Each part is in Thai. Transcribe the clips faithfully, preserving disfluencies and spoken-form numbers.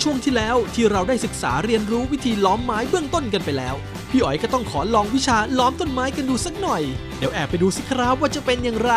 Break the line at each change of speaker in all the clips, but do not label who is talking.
ช่วงที่แล้วที่เราได้ศึกษาเรียนรู้วิธีล้อมไม้เบื้องต้นกันไปแล้วพี่อ๋อยก็ต้องขอลองวิชาล้อมต้นไม้กันดูสักหน่อยเดี๋ยวแอบไปดูสิครับว่าจะเป็นอย่างไร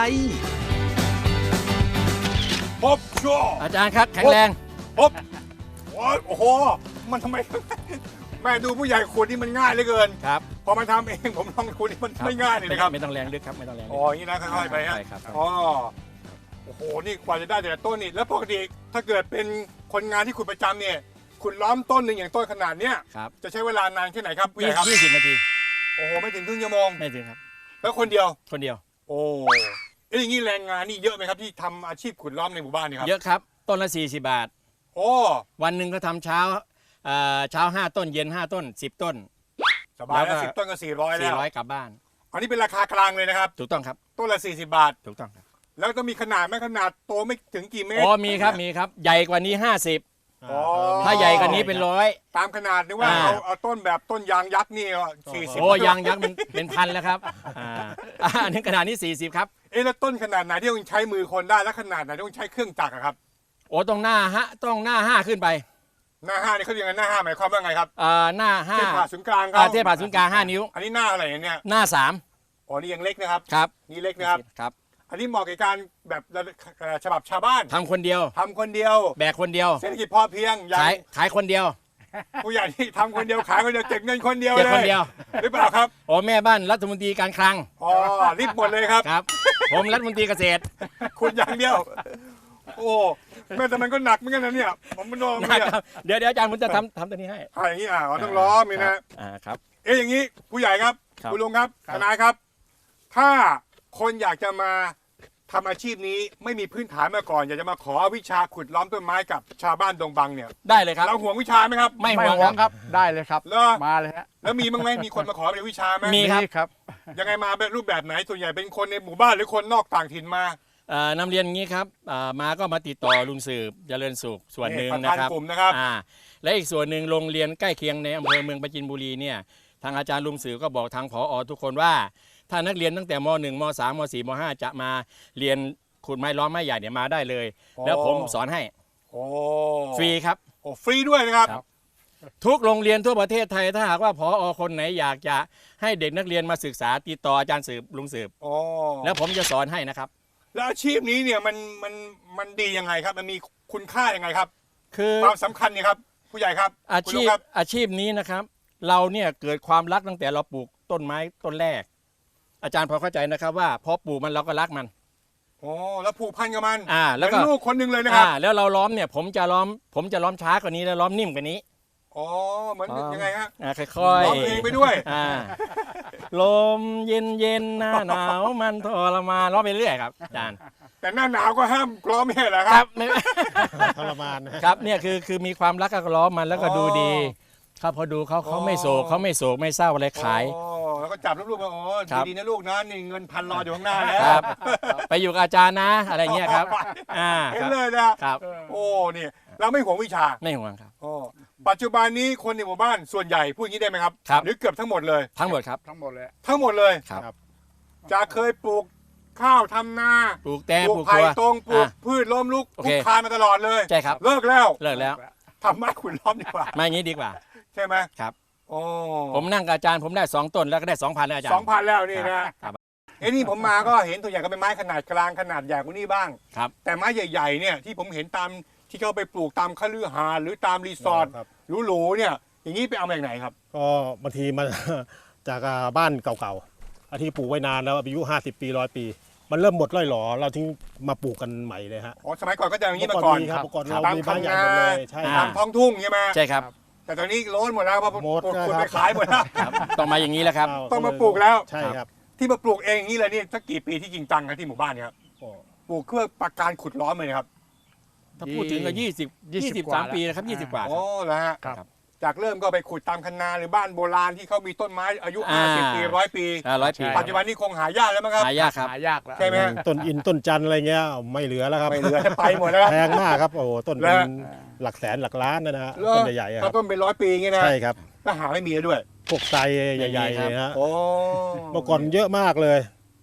พบชัว
อาจารย์ครับแข็งแรง
พบโอ้โหมันทำไมแม่ดูผู้ใหญ่ขูดนี่มันง่ายเหลือเกิน
ครับ
พอมาทำเองผมลองขูดนี่มันไม่ง่ายเลยนะครับ
ไม่ต้องแรงลึกครับไม่ต้องแรง
อ๋ออย่างนี้นะค่อยๆไปฮะอ๋อโอ้โหนี่กว่าจะได้แต่ละต้นนี่แล้วปกติถ้าเกิดเป็นคนงานที่ขุดประจำเนี่ยขุดล้อมต้นหนึ่งอย่างต้นขนาดเนี้ยจะใช้เวลานานแค่ไหนครับผู้ใหญ่ครับ
ยี่สิบนาที
โอ้โหไม่ถึงครึ่งชั่วโมง
ไม่ถึงครับ
แล้วคนเดียว
คนเดียว
โอ้เอ้ยอย่างนี้แรงงานนี่เยอะไหมครับที่ทำอาชีพขุดล้อมในหมู่บ้านนี่ครับ
เยอะครับต้นละสี่สิบบาท
โอ้
วันหนึ่งก็ทำเช้าเช้าห้าต้นเย็นห้าต้นสิบต้น
สบายแล้วสิบต้นก็สี่ร้อยแล้ว
สี่ร้อยกลับบ้าน
อันนี้เป็นราคากลางเลยนะครับ
ถูกต้องครับ
ต้นละสี่สิบบาท
ถูกต้องครับ
แล้วต้องมีขนาดไหมขนาดโตไม่ถึงกี่เมตร
อ๋อมีครับมีครับใหญ่กว่านี้ห้าสิบถ้าใหญ่กว่านี้เป็นร้อย
ตามขนาดนึกว่าเอาเอาต้นแบบต้นยางยักษ์นี่สี่สิบ
โอ้ยางยักษ์มันเป็นพันแล้วครับอันนี้ขนาดนี้สี่สิบครับ
เอ๊ะแล้วต้นขนาดไหนที่ต้องใช้มือคนได้แล้วขนาดไหนที่ต้องใช้เครื่องจักรครับ
โอ้ต้องหน้าฮะต้องหน้าห้าขึ้นไป
หน้าห้านี่เขาเรียกกันหน้าห้าหมายความว่าไงครับ
อ่าหน้าห้า
เทผ่าศูนย์กลางครับ
เทผ่าศูนย์กลางห้านิ้ว
อันนี้หน้าอะไรเนี่ย
หน้าสาม
อ๋อนี่ยังเล็กนะครับ
ครับ
นี่เล็กนะครับ
ครับ
อันนี้เหมาะกับการแบบฉบับชาวบ้าน
ทำคนเดียว
ทำคนเดียว
แบกคนเดียว
เศรษฐกิจพอเพียง
ขายขายคนเดียว
ผู้ใหญ่ที่ทำคนเดียวขายคนเดียวเก็บเงินคนเดียวเลย
เก็บคนเดียว
หรือเปล่าครับ
โอ้แม่บ้านรัฐมนตรีการคลัง
อ๋อรีบหมดเลยครับ
ครับผมรัฐมนตรีเกษตร
คุณอย่างเดียวโอ้แม่แต่มันก็หนักเหมือนกันนะเนี่ยผมมันโดนเนี่ย
เดี๋ยวเดี๋ยวอาจารย์ผมจะทำทำตัวนี้ให้
อ่าอย่างนี้อ่าต้องล้อมีนะ
อ่าครับ
เอ๊ะอย่างนี้ผู้ใหญ่ครับคุณลุงครับทนายครับถ้าคนอยากจะมาทำอาชีพนี้ไม่มีพื้นฐานมาก่อนอยากจะมาขอวิชาขุดล้อมต้นไม้กับชาวบ้านดงบังเนี่ย
ได้เลยครับ
เราห่วงวิชาไหมครับ
ไม่ห่วงครับ
ได้เลยครับมาเลยฮะ
แล้วมีบ้างไหมมีคนมาขอเป็นวิชาไหม
มี
ครับ
ยังไงมาเป็นรูปแบบไหนส่วนใหญ่เป็นคนในหมู่บ้านหรือคนนอกต่างถิ่นม
านำเรียนอย่างนี้ครับมาก็มาติดต่อลุงสืบเจริญสุขส่วนหนึ่งนะครับ
กลุ่มนะครับ
และอีกส่วนหนึ่งโรงเรียนใกล้เคียงในอำเภอเมืองปราจีนบุรีเนี่ยทางอาจารย์ลุงสืบก็บอกทางผอ.ทุกคนว่าถ้านักเรียนตั้งแต่ม.หนึ่ง ม.สาม ม.สี่ ม.ห้า จะมาเรียนขุดไม้ล้อมไม้ใหญ่เนี่ยมาได้เลยแล้วผมสอนให้ฟรีครับ
โอ้ฟรีด้วยนะครับ
ทุกโรงเรียนทั่วประเทศไทยถ้าหากว่าผอ.คนไหนอยากจะให้เด็กนักเรียนมาศึกษาติดต่ออาจารย์สืบลุงสืบแล้วผมจะสอนให้นะครับ
แล้วอาชีพนี้เนี่ยมันมันมันดียังไงครับมันมีคุณค่ายังไงครับ
คือ
ความสำคัญเนี่ยครับผู้ใหญ่ครับ
อาชีพอาชีพนี้นะครับเราเนี่ยเกิดความรักตั้งแต่เราปลูกต้นไม้ต้นแรกอาจารย์พอเข้าใจนะครับว่าพอปลูกมันเราก็รักมัน
โอ้แล้วผูกพันกับมัน
อ่าแล้วก็
ลูกคนหนึ่งเลยนะครับ
อ่าแล้วเราล้อมเนี่ยผมจะล้อมผมจะล้อมช้ากว่านี้แล้วล้อมนิ่มกว่านี้
อ๋อเหมือนยังไงฮะ
อ่าค่อยๆ
ล้อมเองไปด้วย
อ่าลมเย็นเย็นหน้าหนาวมันทรมานล้อมไปเรื่อยครับอาจารย์
แต่หน้าหนาวก็ห้ามล้อมไม่ใช่เหรอครับ
ทรมานครับเนี่ยคือคือมีความรักก็ล้อมมันแล้วก็ดูดีครับพอดูเขาเขาไม่โศกเขาไม่โศกไม่เศร้าอะไรขาย
แล้วก็จับลูกๆมาโอ้ดีนะลูกนะนี่เงินพันรออยู่ข้างหน้าแล้ว
ไปอยู่กับอาจารย์นะอะไรเงี้ยครับ
อ่าเห็นเลยนะครับโอ้นี่เราไม่ห่วงวิชา
ไม่ห่วงครับ
โอ้ปัจจุบันนี้คนในหมู่บ้านส่วนใหญ่พูดอย่างนี้ได้ไหมครับหรือเกือบทั้งหมดเลย
ทั้งหมดครับ
ทั้งหมดเลย
ทั้งหมดเลย
ครับ
จะเคยปลูกข้าวทำนา
ปลูกแตงปลูก
ไผ่ตรงปลูกพืชล้มลุกปลูกคานมาตลอดเลย
ใช่ครับ
เลิกแล้ว
เลิกแล้ว
ทำไม้ขุดล้อมดีกว่า
ไม่งี้ดีกว่า
ใช่ไหม
ครับ
โอ้
ผมนั่งกับอาจารย์ผมได้สองต้นแล้วก็ได้สองพันแล้วอาจารย์
สองพันแล้วนี่นะไอ้นี่ผมมาก็เห็นตัวใหญ่ก็เป็นไม้ขนาดกลางขนาดใหญ่กว่านี้บ้าง
ครับ
แต่ไม้ใหญ่ๆเนี่ยที่ผมเห็นตามที่เขาไปปลูกตามคฤหาสน์หรือตามรีสอร์ทหรูๆเนี่ยอย่างนี้ไปเอามาจากไหนครับ
ก็บางทีมาจากบ้านเก่าๆที่ปลูกไว้นานแล้วอายุห้าสิบปีร้อยปีมันเริ่มหมดร่อยหรอเราทิ้งมาปลูกกันใหม่เลยฮะ
อ๋อสมัยก่อนก็จะอย่างนี้มาก่อน
ครับก่อนเรามีบ้านใหญ่หมดเลยใช่
ตามท้องทุ่งใช่ไหม
ใช่ครับ
แต่ตอนนี้โล้นหมดแล้วเพราะคุณไปขายหมดแล้ว
ต้องมาอย่างนี้แหละครับ
ต้องมาปลูกแล้ว
ใช่ครับ
ที่มาปลูกเองอย่างนี้เลยนี่สักกี่ปีที่จริงจังครับที่หมู่บ้านเนี่ยครับปลูกเพื่อประการขุดล้อมเลยครับ
ถ้าพูดถึงก็ยี่สิบยี่สิบสามปีนะครับยี่สิบกว่า
โอ้แล้วฮะจากเริ่มก็ไปขุดตามคันนาหรือบ้านโบราณที่เขามีต้นไม้อายุห้าสิบปีร้อยปี
ร้อยปี
ปัจจุบันนี้คงหายากแล้วมั้งครับ
หายากครับ
หายากแล้ว
ใช่ไหม
ต้นอินต้นจันอะไรเงี้ยไม่เหลือแล้วครับ
ไม่เหลือไปหมดแล้ว
แพงมากครับโอ้ต้นเป็นหลักแสนหลักล้านนะฮะต้นใหญ่ๆ
ครับต้นเป็นร้อยปีงี้นะ
ใช่ครับ
ก็หาไม่มีด้วย
พวกไทรใหญ่ๆนะฮะ
โอ้
เมื่อก่อนเยอะมากเลย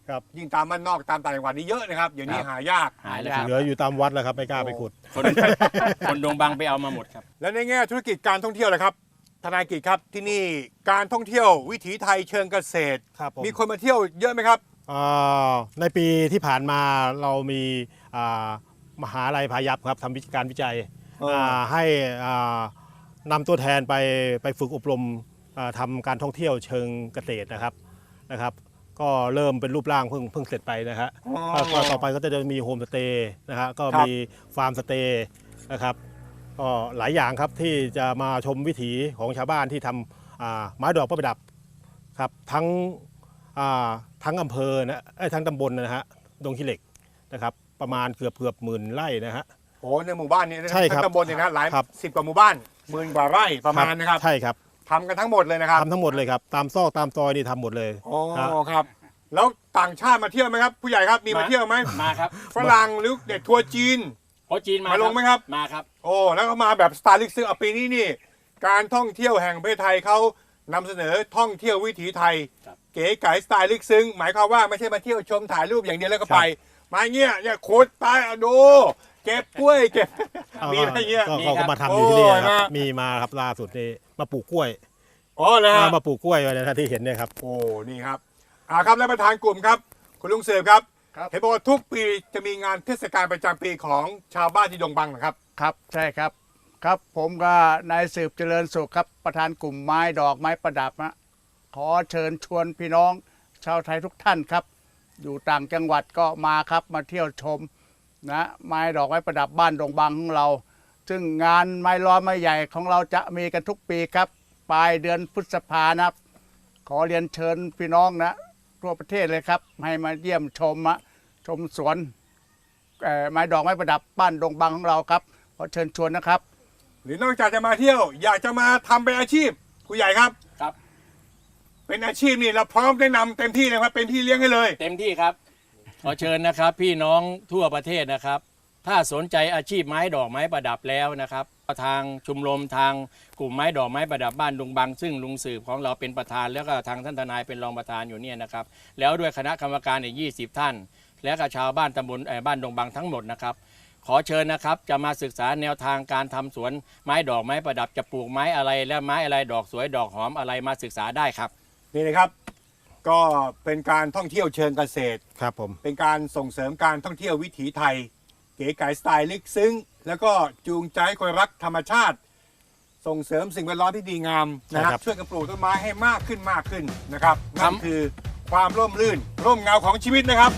ครับ
ยิ่งตามบ้านนอกตามต่างจังหวัดนี่เยอะนะครับเดี๋ยวนี้
ครับ
หายาก
หายแล้วครับ
เหลืออยู่ตามวัดแล้วครับไม่กล้าไปขุด
คนคนดงบังไปเอามาหมดครับ
แล้วในแง่ธุรกิจการท่องเที่ยวเลยครับทนายกิจครับที่นี่การท่องเที่ยววิถีไทยเชิงเกษตร
ครับผม
มีคนมาเที่ยวเยอะไหมครับ
อ่าในปีที่ผ่านมาเรามีอ่ามหาลัยพายัพครับทำวิการวิจัย
อ๋ออ่
าให้อ่านำตัวแทนไปไปฝึกอบรมอ่าทำการท่องเที่ยวเชิงเกษตรนะครับนะครับ ก็เริ่มเป็นรูปร่างเพิ่งเพิ่งเสร็จไปนะฮะ
อ๋อ
ก็ต่อไปก็จะมีโฮมสเตย์นะฮะก็
ครับ
มีฟาร์มสเตย์นะครับก็หลายอย่างครับที่จะมาชมวิถีของชาวบ้านที่ทำอ่าไม้ดอกประดับครับทั้งอ่าทั้งอำเภอนะเอ้ยทั้งตำบลนะฮะดงขี้เหล็กนะครับประมาณเกือบเกือบหมื่นไร่นะฮะ
โอ้ในหมู่บ้านนี้นะ
ใช่ครับ
ทั้งตำบลเนี่ยนะหลาย
ครับ
สิบกว่าหมู่บ้านหมื่นกว่าไร่ประมาณนะครับ
ใช่ครับ
ทำกันทั้งหมดเลยนะครับ
ทำทั้งหมดเลยครับตามซอกตามซอยนี่ทำหมดเลย
อ๋อ
ฮะ
ครับ แล้วต่างชาติมาเที่ยวไหมครับ ผู้ใหญ่ครับมีมา
มา
เที่ยวไหม
มาครับ
ฝรั่งหรือเด็กทัวร์จีน
โอจีนมา
มาลงไหมครับ
มาครับ
โอ้แล้วก็มาแบบสไตล์ลิกซ์อ่ะปีนี้นี่ การท่องเที่ยวแห่งประเทศไทยเขานำเสนอท่องเที่ยววิถีไทย
ครับ
เก๋ไก๋สไตล์ลึกซึ้งหมายความว่าไม่ใช่มาเที่ยวชมถ่ายรูปอย่างเดียวแล้วก็ไป มาเงี้ยเนี่ยโคตรตายอ่ะดูเก็บกล้วยเก็บ
เอา
มีอะไรเงี้ย
ก็
มี
เขา
ครั
ก็
บ
มาทำอยู่ที่นี่
โอ้ย
ครับ
มา
มีมาครับล่าสุดนี่มาปลูกกล้วย
อ๋อเลยฮะ
มาปลูกกล้วยไว้นะที่เห็นเนี่ยครับ
โอ้นี่ครับอ่าครับและประธานกลุ่มครับ คุณลุงเสือครับ
ครับ
เห็นบอกว่าทุกปีจะมีงานเทศกาลประจำปีของชาวบ้านที่ดงบังนะครับ
ครับใช่ครับครับผมก็นายสืบเจริญสุขครับประธานกลุ่มไม้ดอกไม้ประดับนะขอเชิญชวนพี่น้องชาวไทยทุกท่านครับ อยู่ต่างจังหวัดก็มาครับมาเที่ยวชมนะไม้ดอกไม้ประดับบ้านดงบังของเรา ซึ่งงานไม้ล้อมไม้ใหญ่ของเราจะมีกันทุกปีครับปลายเดือนพฤษภานะครับขอเรียนเชิญพี่น้องนะทั่วประเทศเลยครับให้มาเยี่ยมชมอะชมสวนเอ่อไม้ดอกไม้ประดับบ้านดงบังของเราครับขอเชิญชวนนะครับ
หรือนอกจากจะมาเที่ยว อยากจะมาทำเป็นอาชีพผู้ใหญ่ครับ
ครับ
เป็นอาชีพนี่เราพร้อมแนะนำเต็มที่เลยครับเป็นพี่เลี้ยงให้เลย
เต็มที่ครับ ขอเชิญนะครับ พี่น้องทั่วประเทศนะครับ ถ้าสนใจอาชีพไม้ดอกไม้ประดับแล้วนะครับทางชุมรมทางกลุ่มไม้ดอกไม้ประดับบ้านดงบัง ซึ่งลุงสืบของเราเป็นประธานแล้วก็ทางท่านทนายเป็นรองประธานอยู่เนี่ยนะครับแล้วด้วยคณะกรรมการอีกยี่สิบท่าน และก็ชาวบ้านตำบลเอ่อบ้านดงบังทั้งหมดนะครับขอเชิญนะครับจะมาศึกษาแนวทางการทำสวนไม้ดอกไม้ประดับจะปลูกไม้อะไรและไม้อะไรดอกสวยดอกหอมอะไรมาศึกษาได้ครับ
นี่นะครับ ก็เป็นการท่องเที่ยวเชิงเกษตร
ครับผม
เป็นการส่งเสริมการท่องเที่ยววิถีไทย เก๋ไก๋สไตล์ลึกซึ้ง แล้วก็จูงใจให้คนรักธรรมชาติ ส่งเสริมสิ่งแวดล้อมที่ดีงามนะครับช่วยกันปลูกต้นไม้ให้มากขึ้นมากขึ้นนะครับนั่นคือความร่มรื่น ร่มเงาของชีวิตนะครับ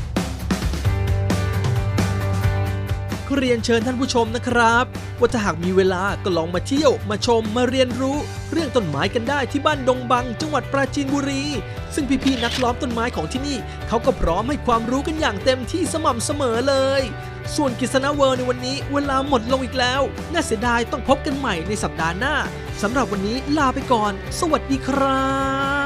เรียนเชิญท่านผู้ชมนะครับว่าถ้าหากมีเวลาก็ลองมาเที่ยวมาชมมาเรียนรู้ เรื่องต้นไม้กันได้ที่บ้านดงบัง จังหวัดปราจีนบุรี ซึ่งพี่ๆนักล้อมต้นไม้ของที่นี่เขาก็พร้อมให้ความรู้กันอย่างเต็มที่สม่ำเสมอเลย ส่วนกิษณะเวิร์ในวันนี้เวลาหมดลงอีกแล้วน่าเสียดายต้องพบกันใหม่ในสัปดาห์หน้าสำหรับวันนี้ลาไปก่อน สวัสดีครับ